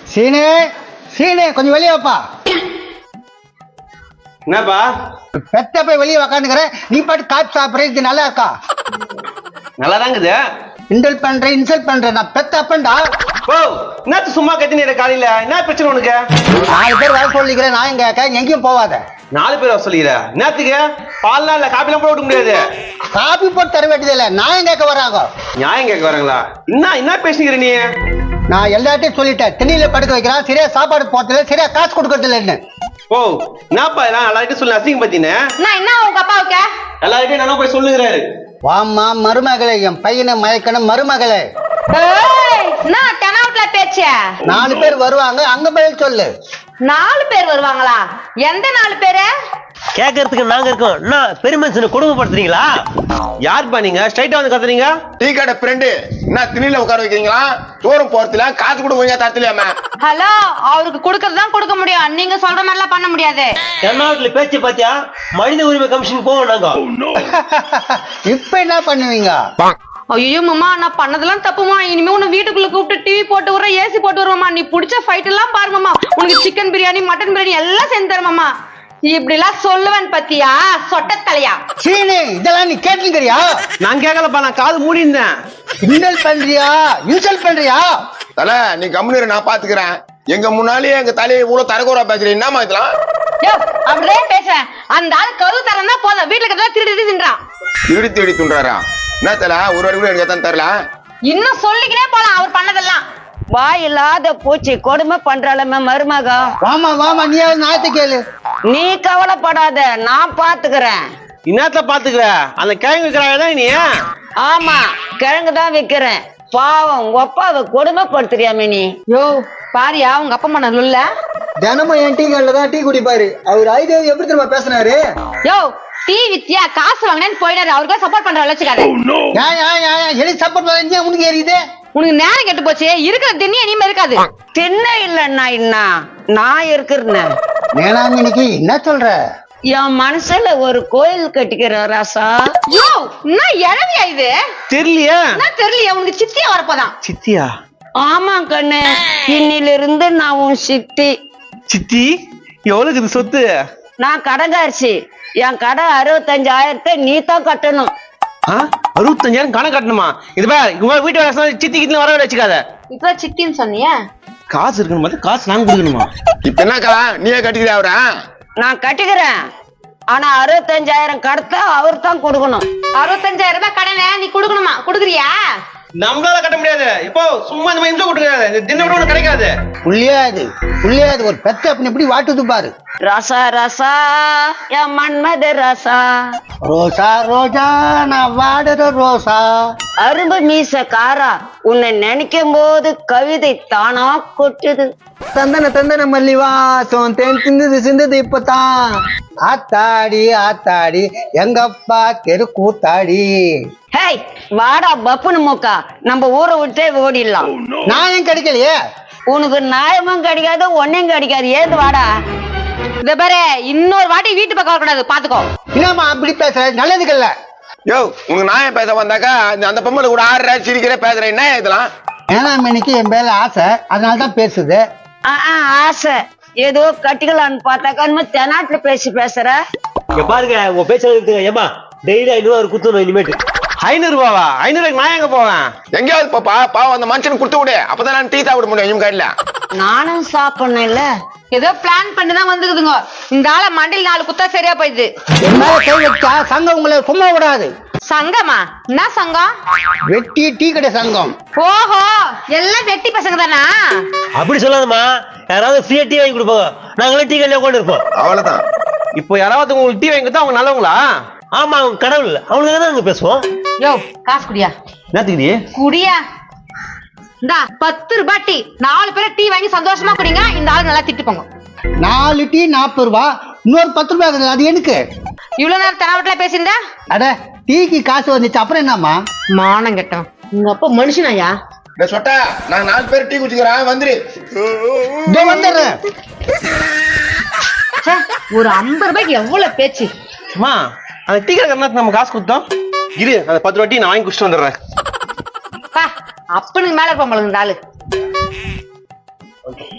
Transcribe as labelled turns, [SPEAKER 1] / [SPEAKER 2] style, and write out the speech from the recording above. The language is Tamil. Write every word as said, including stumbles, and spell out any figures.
[SPEAKER 1] சீனே சீனே கொஞ்சம் வெளியே வாப்பா.
[SPEAKER 2] என்னப்பா
[SPEAKER 1] பெத்த போய் வெளியே உக்காந்துக்கிற, நீ பாட்டு காப்பி சாப்பிட்ற. இது நல்லா இருக்கா?
[SPEAKER 2] நல்லா தாங்குது.
[SPEAKER 1] இன்சல்ட் பண்றேன் இன்சல்ட் பண்றேன். நான் பெத்த அப்பன்டா.
[SPEAKER 2] ஓ என்ன சும்மா கத்தினீர காலையில என்ன பிரச்சனை உனக்கு?
[SPEAKER 1] நாலு பேர் வர சொல்லிக்கிறேன். நான் எங்க எங்கேயும் போவாத.
[SPEAKER 2] நாலு பேர் வர சொல்லிக்கிற என்னத்துக்கு? பால்லாம் இல்ல காப்பிலாம் போட முடியாது.
[SPEAKER 1] காப்பி போட்டு தர வேண்டியது இல்ல. நான் கேட்க வராங்க.
[SPEAKER 2] நியாயம் கேட்க வராங்களா? என்ன என்ன பேசுகிற நீ?
[SPEAKER 1] நான் எல்லாத்தையும் சொல்லிட்டேன். திண்ணில படுக்க வைக்கிறான், சரியா சாப்பாடு போட்டதில்ல, சரியா காசு கொடுக்கறது இல்லைன்னு.
[SPEAKER 2] ஓ என்னப்பா எல்லாம் எல்லார்கிட்டையும் சொல்லி அசிங்க பத்தினே
[SPEAKER 3] நான் என்ன உங்க அப்பாவுக்கு
[SPEAKER 2] எல்லார்கிட்டையும் நானும் போய் சொல்லுகிறாரு.
[SPEAKER 1] வாமா மருமகளே, என் பையனை மயக்கணும் மருமகளே.
[SPEAKER 3] நான் தெனாவட்ல பேச்ச
[SPEAKER 1] நாலு பேர் வருவாங்க, அங்க பதில் சொல்லு.
[SPEAKER 3] நாலு பேர் வருவாங்களா? எந்த நாலு பேரு?
[SPEAKER 4] கேட்கறதுக்கு நாங்க இருக்கோம். என்ன பெருமனுஷனை கொடுமைப்படுத்துறீங்களா?
[SPEAKER 2] யாருப்பா நீங்க ஸ்ட்ரைட்டா வந்து கத்துறீங்க?
[SPEAKER 5] டீ கடை ஃப்ரெண்டு என்ன திணில உட்கார வைக்கிறீங்களா? தூரம் போறதுல காசு கூட கொஞ்சம் தரத்துலையாம.
[SPEAKER 3] ஹலோ, அவருக்கு கொடுக்கறதுதான் கொடுக்க முடியும். நீங்க சொல்ற மாதிரி எல்லாம் பண்ண முடியாது.
[SPEAKER 4] தென்னாட்டுல பேச்சு பாத்தியா? மனித உரிமை கமிஷன் போவோம் நாங்க.
[SPEAKER 1] இப்ப என்ன பண்ணுவீங்க?
[SPEAKER 3] ஐயோ மாமா, நான் பண்ணதெல்லாம் தப்புமா. இனிமே உன்னை வீட்டுக்குள்ள கூப்பிட்டு டிவி போட்டு விடுற, ஏசி போட்டு வருவாமா. நீ பிடிச்ச ஃபைட் எல்லாம் பாருமாமா. உனக்கு சிக்கன் பிரியாணி மட்டன் பிரியாணி எல்லாம் செஞ்சு தருமாமா. இப்படி எல்லாம் சொல்லுவேன் பத்தியா சொட்ட தலையா?
[SPEAKER 1] சீனி, இதெல்லாம் நீ கேட்டுக்கிறியா?
[SPEAKER 2] நான் கேட்கலப்பா, நான் காது மூடி இருந்தேன்.
[SPEAKER 1] இன்சல்ட் பண்றியா இன்சல்ட் பண்றியா?
[SPEAKER 5] தல நீ கம்முனு, நான் பாத்துக்கிறேன். எங்க முன்னாலேயே எங்க தலையை இவ்வளவு தரக்குறா பேசுறீங்க. என்னமா இதெல்லாம்?
[SPEAKER 3] யோ, அப்படியே பேசுறேன். அந்த ஆள் கரு தரன்னா போதும், வீட்டுல இருக்கிறதா திருடி தின்றான்.
[SPEAKER 5] திருடி திருடி துன்றாரா? என்ன தல ஒரு வாடி கூட எனக்கு தான் தரல.
[SPEAKER 3] இன்னும் சொல்லிக்கினே போலாம் அவர் பண்ணதெல்லாம்.
[SPEAKER 6] வாய் இல்லாத பூச்சி கொடுமை பண்றாளமே மருமக.
[SPEAKER 1] வாமா வாமா, நீ நாயத்தை கேளு.
[SPEAKER 6] நீ கவலைப்படாத, நான் பாத்துக்கிறேன்.
[SPEAKER 2] இன்னத்துல பாத்துக்கிற அந்த கிழங்கு இருக்கிறாங்க நீ.
[SPEAKER 6] ஆமா, கிழங்குதான் விக்கிறேன். பாவம் உங்க அப்பாவை கொடுமைப்படுத்துறியாமே நீ.
[SPEAKER 3] யோ பாரியா, உங்க அப்பா அம்மா நல்ல
[SPEAKER 1] தினமும் என் டீ கடையில தான் டீ குடிப்பாரு. அவர் ஐதேவி எப்படி தெரியுமா பேசினாரு?
[SPEAKER 3] யோ டீ வித்தியா காசு வாங்கினேன்னு போயிடாரு. அவருக்கு சப்போர்ட் பண்ற வச்சுக்காரு.
[SPEAKER 1] எலி சப்போர்ட் பண்ண உனக்கு ஏறியுது.
[SPEAKER 3] உனக்கு நேரம் கெட்டு போச்சு. இருக்கிற திண்ணி இனிமே இருக்காது.
[SPEAKER 6] தின்ன இல்லன்னா என்ன, நான் இருக்கிறேன்.
[SPEAKER 1] நேனாமினிக்கு என்ன சொல்ற?
[SPEAKER 6] என் மனசுல ஒரு கோயில் கட்டிக்கிற ராசா.
[SPEAKER 3] யோ என்ன இழவியா இது?
[SPEAKER 2] தெரியலையா?
[SPEAKER 3] என்ன தெரியலையா? உனக்கு சித்தியா வரப்போதான்.
[SPEAKER 2] சித்தியா?
[SPEAKER 6] ஆமா கண்ணு, இன்னில இருந்து நான் உன் சித்தி.
[SPEAKER 2] சித்தி எவ்வளவுக்கு இது சொத்து?
[SPEAKER 6] நான் கடைக்காரிசி. என் கடை அறுபத்தஞ்சாயிரத்தை நீ தான் கட்டணும்.
[SPEAKER 2] அறுபத்தஞ்சாயிரம் கணக்கு கட்டணுமா? இது பாரு, வீட்டு வேலை சித்தி கிட்ட வர வச்சுக்காத.
[SPEAKER 3] இப்ப சித்தின்னு சொன்னியா?
[SPEAKER 2] காசு இருக்கணும் பார்த்து காசு நாங்க கொடுக்கணுமா?
[SPEAKER 5] இப்ப என்னக்கா நீயே கட்டிக்கிற அவரா?
[SPEAKER 6] நான் கட்டிக்கிறேன், ஆனா அறுபத்தஞ்சாயிரம் கடத்த அவர் தான் கொடுக்கணும்.
[SPEAKER 3] அறுபத்தஞ்சாயிரம் ரூபாய் கடனை நீ கொடுக்கணுமா? கொடுக்குறியா?
[SPEAKER 2] நம்மளால கட்ட முடியாது. இப்போ சும்மா இந்த மாதிரி கொடுக்காது, தின விட ஒண்ணு கிடைக்காது.
[SPEAKER 1] புள்ளியாது புள்ளியாது ஒரு பெத்த அப்படி எப்படி வாட்டுது பாரு.
[SPEAKER 6] ரசா ரசா என் மன்மத ரசா.
[SPEAKER 1] ரோசா ரோஜா நான் வாடுற ரோசா.
[SPEAKER 6] அரும்பு மீச காரா, உன்னை நினைக்கும் போது கவிதை தானா கொட்டுது.
[SPEAKER 1] தந்தன தந்தன மல்லி வாசம் தேன் சிந்தது சிந்தது இப்பதான். ஆத்தாடி ஆத்தாடி எங்கப்பா தெரு கூத்தாடி.
[SPEAKER 6] ஹேய் வாடா பப்புனு மூக்கா, நம்ம ஊரை விட்டே ஓடிடலாம்.
[SPEAKER 1] நான் ஏன் கிடைக்கலையே?
[SPEAKER 6] உனக்கு நியாயமும் கிடைக்காது, ஒன்னும் கிடைக்காது. ஏது வாடா.
[SPEAKER 3] இந்த பாரு, இன்னொரு வாட்டி வீட்டு பக்கம் வரக்கூடாது, பாத்துக்கோ.
[SPEAKER 1] என்னம்மா அப்படி பேசுற? நல்லதுக்கல்ல.
[SPEAKER 5] யோ உனக்கு நாயம் பேச வந்தாக்கா அந்த பொம்பளை கூட ஆடுற சிரிக்கிற பேசுற என்ன இதெல்லாம்?
[SPEAKER 1] ஏனாமணிக்கு என் மேல ஆசை, அதனாலதான் பேசுது.
[SPEAKER 6] ஆசை ஏதோ கட்டிக்கலான்னு பார்த்தாக்கா தெனாட்டுல பேசி பேசுற.
[SPEAKER 4] இங்க பாருங்க, உங்க பேச்சு ஏமா டெய்லி ஐநூறு ரூபாய் குத்துணும் இனிமேட்டு.
[SPEAKER 2] ஐநூறு ரூபாவா? ஐநூறு ரூபாய்க்கு நான் எங்க போவேன்?
[SPEAKER 5] எங்கேயாவது பாப்பா பாவம் அந்த மனுஷனுக்கு கொடுத்து விடு, அப்பதான் நான் டீ சாப்பிட முடியும். இவங்க கையில
[SPEAKER 6] நானும் சாப்பிடணும் இல்ல.
[SPEAKER 3] ஏதோ பிளான் பண்ணிதான் வந்துக்குதுங்க. இந்த ஆள மண்டில் நாலு குத்தா சரியா போயிடுது.
[SPEAKER 1] என் மேல கை வச்சா சங்கம் உங்களை சும்மா விடாது.
[SPEAKER 3] சங்கமா? என்ன சங்கம்?
[SPEAKER 1] வெட்டி டீ கடை சங்கம்.
[SPEAKER 3] ஓஹோ, எல்லாம் வெட்டி பசங்க தானா?
[SPEAKER 4] அப்படி சொல்லாதம்மா, யாராவது ஃப்ரீயா டீ வாங்கி கொடுப்பாங்க, நாங்களும் டீ கடையில உட்காந்து இருப்போம்.
[SPEAKER 5] அவ்வளவுதான்.
[SPEAKER 2] இப்போ யாராவது உங்களுக்கு டீ வாங்கி கொடுத்தா அவங்க நல்லவங்களா?
[SPEAKER 4] ஆமா, அவங்க கடவுள், அவங்களுக்கு தான் நாங்க பேசுவோம்.
[SPEAKER 3] யோ காசு குடியா.
[SPEAKER 2] என்னத்துக்கு
[SPEAKER 3] குடியா? இந்தா பத்து ரூபாய் டீ, நாலு பேரை டீ வாங்கி சந்தோஷமா குடிங்க. இந்த ஆளு நல்லா திட்டு போங்க.
[SPEAKER 1] நாலு டீ நாற்பது ரூபா, இன்னொரு பத்து ரூபாய். அது எனக்கு
[SPEAKER 3] இவ்வளவு நேரம் தெனாவட்ல பேசியிருந்தா?
[SPEAKER 1] அட டீக்கு காசு வந்துச்சு, அப்புறம் என்னம்மா?
[SPEAKER 3] மானம் கெட்டோம். உங்க அப்பா மனுஷனாயா?
[SPEAKER 5] சொட்டா நான் நாலு பேர் டீ குடிச்சுக்கிறேன், வந்துரு.
[SPEAKER 1] இதோ வந்துடுறேன்.
[SPEAKER 3] ஒரு ஐம்பது ரூபாய்க்கு எவ்வளவு பேச்சு.
[SPEAKER 2] அம்மா அந்த டீ கடை நம்ம காசு கொடுத்தோம். இரு அந்த பத்து ரூபாய் டீ நான் வாங்கி குடிச்சிட்டு வந்துடுறேன்.
[SPEAKER 3] அப்பனுக்கு மேல இருப்பான் இந்த ஆளு.